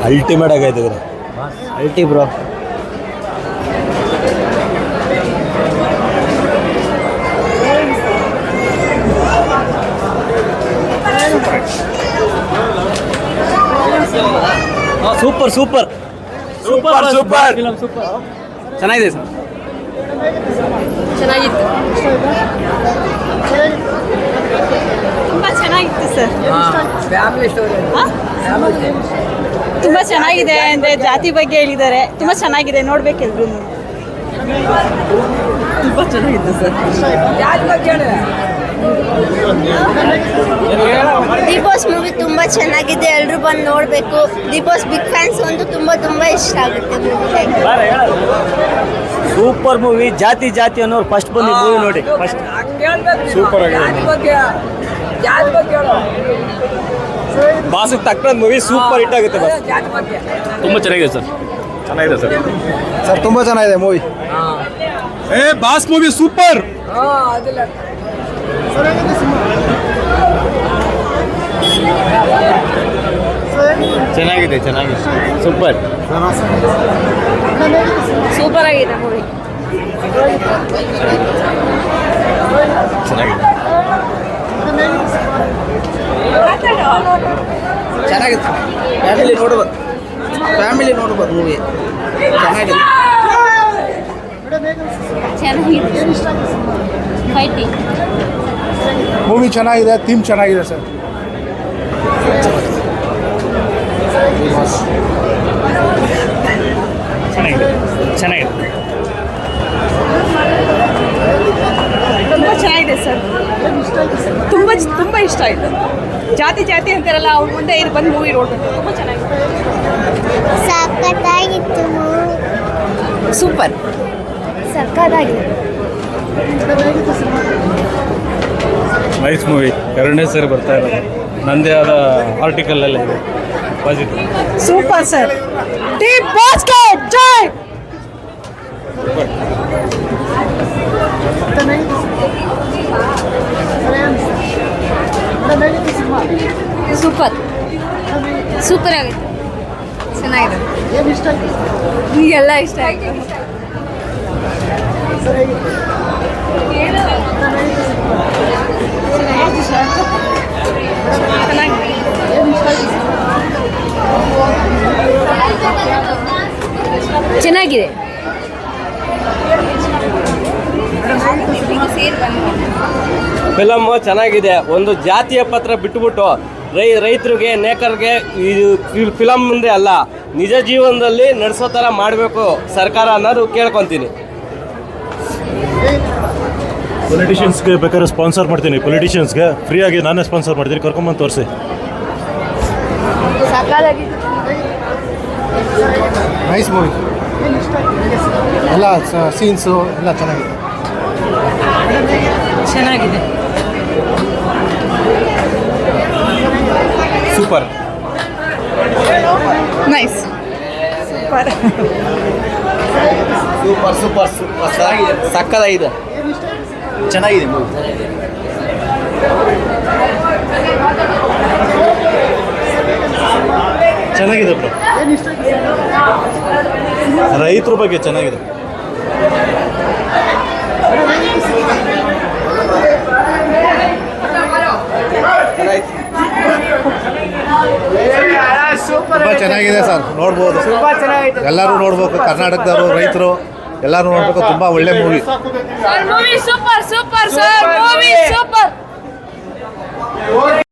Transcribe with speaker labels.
Speaker 1: Ultimate ಆಗೈತೆ ಗುರು.
Speaker 2: ಅಲ್ಟಿ bro.
Speaker 1: Super super super super
Speaker 2: ಚೆನ್ನಾಗಿದೆ ಸರ್.
Speaker 3: ಚೆನ್ನಾಗಿತ್ತು, ತುಂಬ ಚೆನ್ನಾಗಿತ್ತು ಸರ್.
Speaker 2: Family story.
Speaker 3: ತುಂಬ ಚೆನ್ನಾಗಿದೆ ಅಂದರೆ ಜಾತಿ ಬಗ್ಗೆ ಹೇಳಿದ್ದಾರೆ. ತುಂಬ ಚೆನ್ನಾಗಿದೆ, ನೋಡ್ಬೇಕೆಲ್ರು.
Speaker 2: ತುಂಬ ಚೆನ್ನಾಗಿತ್ತು ಸರ್.
Speaker 4: ಬಿಗ್ ಬಾಸ್ ಮೂವಿ ತುಂಬ ಚೆನ್ನಾಗಿದೆ, ಎಲ್ಲರೂ ಬಂದು ನೋಡಬೇಕು. ಬಿಗ್ ಬಾಸ್ ಬಿಗ್ ಫ್ಯಾನ್ಸ್ ಒಂದು ತುಂಬ ಇಷ್ಟ ಆಗುತ್ತೆ ಮೂವಿ.
Speaker 2: Super movie. ಜಾತಿ ಜಾತಿ ಅನ್ನೋರು ಫಸ್ಟ್ ಬಂದು ಮೂವಿ ನೋಡಿ. ಫಸ್ಟ್
Speaker 1: ಸೂಪರ್ ಆಗಿದೆ. ಬಾಸಿಗೆ ತಕ್ಕಂತ ಮೂವಿ ಸೂಪರ್ ಹಿಟ್ ಆಗುತ್ತೆ.
Speaker 5: ತುಂಬ ಚೆನ್ನಾಗಿದೆ ಸರ್. ಚೆನ್ನಾಗಿದೆ ಸರ್.
Speaker 2: ಸರ್ ತುಂಬ ಚೆನ್ನಾಗಿದೆ ಮೂವಿ.
Speaker 1: Boss movie super.
Speaker 5: ಚೆನ್ನಾಗಿದೆ ಚೆನ್ನಾಗಿದೆ ಸೂಪರ್.
Speaker 3: ಸೂಪರ್ ಆಗಿದೆ ಮೂವಿ.
Speaker 5: ಚೆನ್ನಾಗಿದೆ
Speaker 2: ಚೆನ್ನಾಗಿದೆ. ಫ್ಯಾಮಿಲಿ ನೋಡ್ಬೋದು ಮೂವಿ. ಚೆನ್ನಾಗಿದೆ.
Speaker 3: ಫೈಟಿಂಗ್
Speaker 6: ಮೂವಿ ಚೆನ್ನಾಗಿದೆ, ಥೀಮ್ ಚೆನ್ನಾಗಿದೆ ಸರ್.
Speaker 5: ಚೆನ್ನಾಗಿದೆ ಚೆನ್ನಾಗಿದೆ
Speaker 3: ತುಂಬ ಚೆನ್ನಾಗಿದೆ ಸರ್. ತುಂಬ ಇಷ್ಟ ಆಯಿತು. ಜಾತಿ ಜಾತಿ ಅಂತಾರಲ್ಲ, ಅವ್ರ ಮುಂದೆ ಇದು ಬಂದು ಮೂವಿ ನೋಡ್ಬೇಕು. ತುಂಬ ಚೆನ್ನಾಗಿದೆ.
Speaker 4: ಸಖತ್ತಾಗಿತ್ತು ಮೂವಿ.
Speaker 3: ಸೂಪರ್.
Speaker 4: ಸಖತ್ತಾಗಿದೆ.
Speaker 5: Nice movie. ಎರಡನೇ ಸರಿ ಬರ್ತಾ ಇರೋದು. ನಂದೇ ಆದ ಆರ್ಟಿಕಲ್ ಎಲ್ಲ ಇದೆ. ಪಾಸಿಟಿವ್.
Speaker 3: Super sir. ಟೀಮ್ ಬಾಸ್ಕೆಟ್ ಜೈ. ಸೂಪರ್ ಸೂಪರ್ ಆಗಿದೆ. ಚೆನ್ನಾಗಿದೆ. ಈಗೆಲ್ಲ ಇಷ್ಟ ಆಯಿತು. ಚೆನ್ನಾಗಿದೆ.
Speaker 1: ಫಿಲಮ್ ಚೆನ್ನಾಗಿದೆ. ಒಂದು ಜಾತಿಯ ಪತ್ರ ಬಿಟ್ಟುಬಿಟ್ಟು ರೈತರಿಗೆ, ನೇಕರಿಗೆ ಇದು ಫಿಲಮ್ ಮುಂದೆ ಅಲ್ಲ, ನಿಜ ಜೀವನದಲ್ಲಿ ನಡೆಸೋ ಥರ ಮಾಡಬೇಕು ಸರ್ಕಾರ ಅನ್ನೋದು ಕೇಳ್ಕೊತೀನಿ.
Speaker 6: ಪೊಲಿಟಿಷಿಯನ್ಸ್ಗೆ ಬೇಕಾದ್ರೆ ಸ್ಪಾನ್ಸರ್ ಮಾಡ್ತೀನಿ. ಪೊಲಿಟಿಷಿಯನ್ಸ್ಗೆ ಫ್ರೀಯಾಗಿ ನಾನೇ ಸ್ಪಾನ್ಸರ್ ಮಾಡ್ತೀನಿ, ಕರ್ಕೊಂಬಂದು ತೋರಿಸಿ. Nice movie. ಎಲ್ಲ ಸೀನ್ಸು ಎಲ್ಲ ಚೆನ್ನಾಗಿದೆ.
Speaker 3: ಚೆನ್ನಾಗಿದೆ.
Speaker 1: Super.
Speaker 3: Nice. Super
Speaker 2: super super super. ಚೆನ್ನಾಗಿದೆ. ಸಕ್ಕತ್ತಾಗಿದೆ. ಚೆನ್ನಾಗಿದೆ ಮೂವಿ.
Speaker 6: ಚೆನ್ನಾಗಿದೆ ಬ್ರೋ. ರೈತರ ಬಗ್ಗೆ ಚೆನ್ನಾಗಿದೆ. ತುಂಬ ಚೆನ್ನಾಗಿದೆ ಸರ್, ನೋಡ್ಬೋದು. ಎಲ್ಲರೂ ನೋಡ್ಬೇಕು, ಕರ್ನಾಟಕದವರು ರೈತರು ಎಲ್ಲರೂ ನೋಡ್ಬೇಕು. ತುಂಬ ಒಳ್ಳೆ movie.
Speaker 3: Movie super super sir.